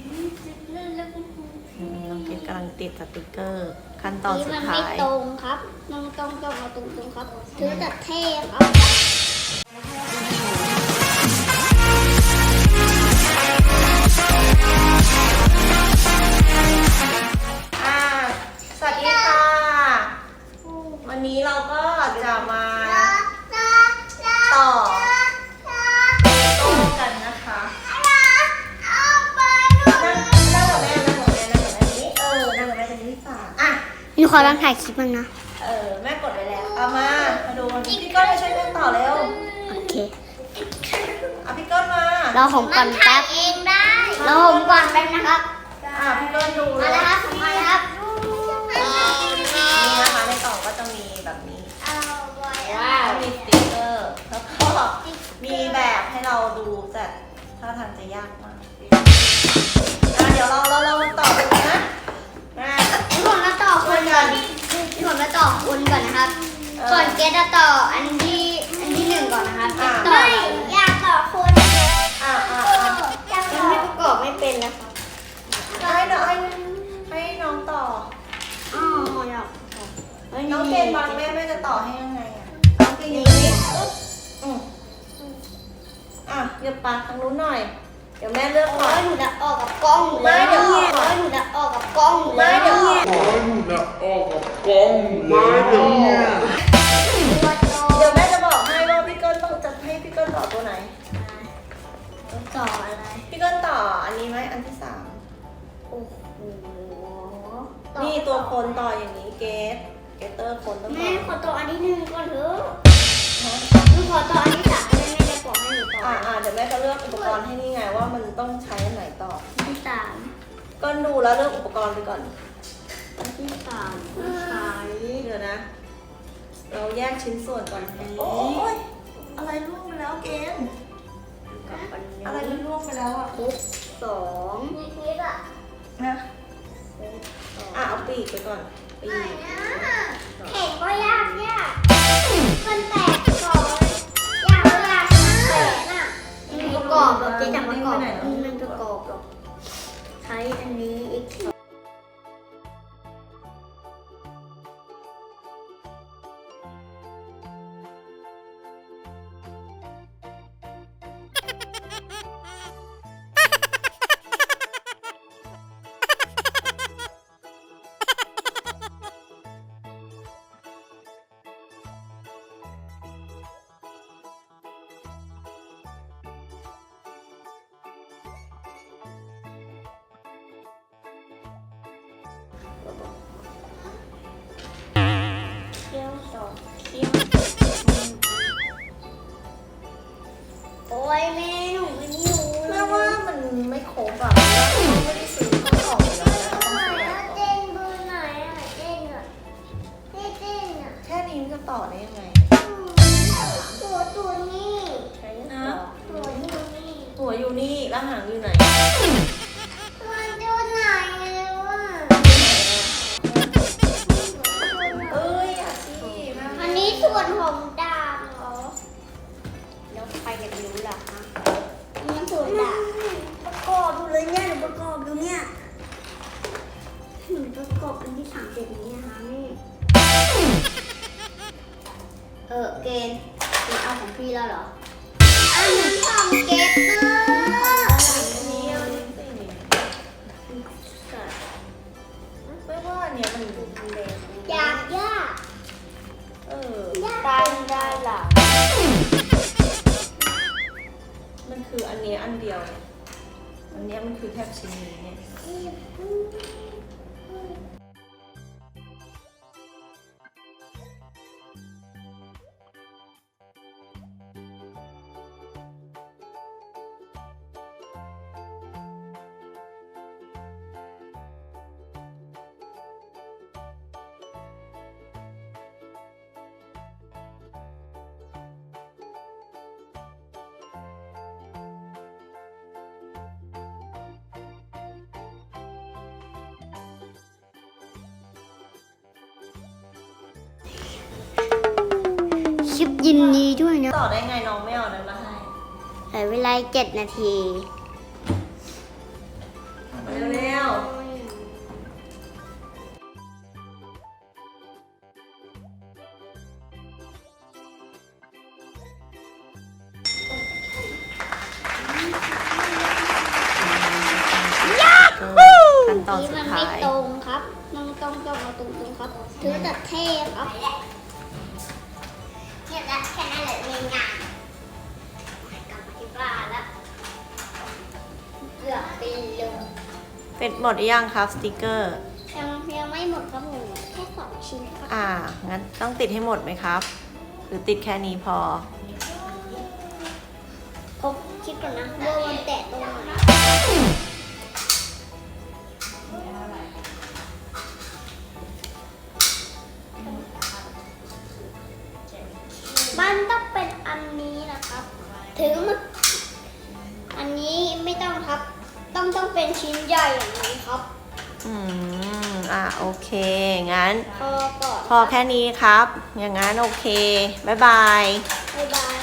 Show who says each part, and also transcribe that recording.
Speaker 1: น้องเกดกำลังติดสติกเกอร์ขั้นตอนสุดท้าย
Speaker 2: มันไม่ตรงครับน้องต้องเอาตรงๆครับถือแต่เท่ครับ
Speaker 1: สวัสดีค่ะวันนี้เราก็จะมาต่อโต้กันนะคะนั่งกับแม่นี่นั่งกับแม่ตรงนี้ฝากอ่ะ
Speaker 2: นี่ขอลองถ่ายคลิปมันนะ
Speaker 1: แม่กดไว้แล้วเอามาดูพี่ก้อนมาช่วยแม่ต่อเร็ว
Speaker 2: โอเค
Speaker 1: เอาพี่ก้อนมา
Speaker 2: เราหอมก่อนแป๊บเราหอมก่อนแป๊บนะครับ
Speaker 1: พี่ก้อนดู
Speaker 2: มาแล้วครับมาแล้วครับ
Speaker 1: นี่นะคะในกล่องก็จะมีแบบนี้
Speaker 2: ว้าว
Speaker 1: มีสติ๊กเกอร์แล้วก็มีแบบให้เราดูแต่ท่าทางจะยากมากเดี๋ยวเราต่อกันนะ
Speaker 2: พี่ผมมาต่อคนก่อนพี่ผมมาต่อคนก่อนนะครับก่อนเกตจะต่ออันที่หนึ่งก่อนนะครับไม่อยากต่อคนยังไม่ประกอบไม่เป็นนะครับ
Speaker 1: ให้น้องต่อ
Speaker 2: อ๋ออยาก
Speaker 1: น้องเกณฑ์บางแม่จะต่อให้ยังไงอ่ะน้องเกณฑ์อย่างนี้เหยียบปากทางนู้นหน่อยเดี๋ยวแม่เลือกก่อน
Speaker 2: หนูจะออกกับกล้องหนูแล้วหนูจะออกกับกล้องหนูแล้ว
Speaker 1: เดี๋ยว เดี๋ยวแม่จะบอกให้ว่าพี่เกิ้ลต้องจะให้พี่เกิ้ลต่อตัวไหน
Speaker 2: ต่ออะไร
Speaker 1: พี่เกิ้ลต่ออันนี้ไหมอันที่3
Speaker 2: โอ้โห
Speaker 1: นี่ตัวคนต่ออย่างนี้เกเตอร์คนต้องต่
Speaker 2: แม่
Speaker 1: อ
Speaker 2: ขอต่ออันที่หนึ่งก่อนเถอะหนูขอต่ออันที่สามแม่จะบอกให้หนูต่อ
Speaker 1: เดี๋ยวแม่จะเลือกอุปกรณ์ให้นี่ไงว่ามันต้องใช้อันไหนต่อ
Speaker 2: อันที่สาม
Speaker 1: ก็ดูแล้วเลือกอุปกรณ์ไปก่อน
Speaker 2: อันที่สามใช้
Speaker 1: เดี๋ยวนะ เราแยกชิ้นส่วนก่อนโอ้ยอะไรร่วงไปแล้วเกณฑ์
Speaker 2: กับอันนี้
Speaker 1: อะไรร่วงไปแล้วอ่ะ
Speaker 2: คุกสองนี่คิดอ่ะ
Speaker 1: นะเอาปีกไปก่อนปีก
Speaker 2: เห็นก็ยากมันแตกก่อนยากแตกน่ะมันประกอบหรอกเจ๊จะประกอบมันประกอบหรอกใช้อันนี้อีกเคี่ยวสองเคี่ยวโอ้ยแม่หนูไม่รู้
Speaker 1: แม่ว่ามันไม่ครบอ่ะไม่ได้ซื้อข้าวกล่องเลยนะต้องซื้อ
Speaker 2: เต้นเบอร์ไหนอ่ะเต้นอ่ะเต้นอ่ะ
Speaker 1: แค่นี้มันจะต่อได้ยังไง
Speaker 2: ตัวนี้
Speaker 1: ใช้นะ
Speaker 2: ตัวนี้
Speaker 1: หัวอยู่นี่แล้วหางอยู่ไหน
Speaker 2: มันดูไหนวะ
Speaker 1: อ่ะสิแม่
Speaker 2: อันนี้ส่วนของดาบเหรอแล้วใครจะรู้ล่ะฮะมันส่วนดาบประกอบดูเลยเนี่ยหนูประกอบดูเนี่ยหนูประกอบอันที่3นี้นะคะนี่เกณฑ์เอาของพี่แล้วเหรออันนี้ของเกตเตอร์
Speaker 1: นี่เอานี่สิไม่ว่าเนี่ยมันทำแดง
Speaker 2: ยาก
Speaker 1: ตั้งได้ล่ะมันคืออันนี้อันเดียวเนี่ยอันนี้มันคือแค่ชิ้นนี้เนี่ย
Speaker 2: คลิปยินดีด้วยนะ
Speaker 1: ต่อได้ไงน้องไม่เอานั้นมาให้
Speaker 2: เหลือเวลา7 นาที
Speaker 1: นตอนสุด
Speaker 2: มัน
Speaker 1: ท้า
Speaker 2: ไม่
Speaker 1: ย
Speaker 2: ตรงครับมันต้องเอาตรงๆครับถือแต่เทพครับแค่นั้นแหละเองงานกลับมาที่บ้านแล้วเกือบปีเลย
Speaker 1: เป็นหมดหรือยังครับสติกเกอร์
Speaker 2: ยังไม่หมดครับผมแค่2 ชิ้นครับ
Speaker 1: งั้นต้องติดให้หมดไหมครับ หรือติดแค่นี้พอ
Speaker 2: ผมคิดก่อนนะว่ามันแตะตรงไหนมันต้องเป็นอันนี้นะครับ ถึงมันอันนี้ไม่ต้องครับ ต้องเป็นชิ้นใหญ่อย่างนี้ครับ
Speaker 1: โอเค งั้น
Speaker 2: พอก่อน
Speaker 1: พอแค่นี้ครับ อย่างงั้นโอเค บ๊ายบาย
Speaker 2: บ๊ายบาย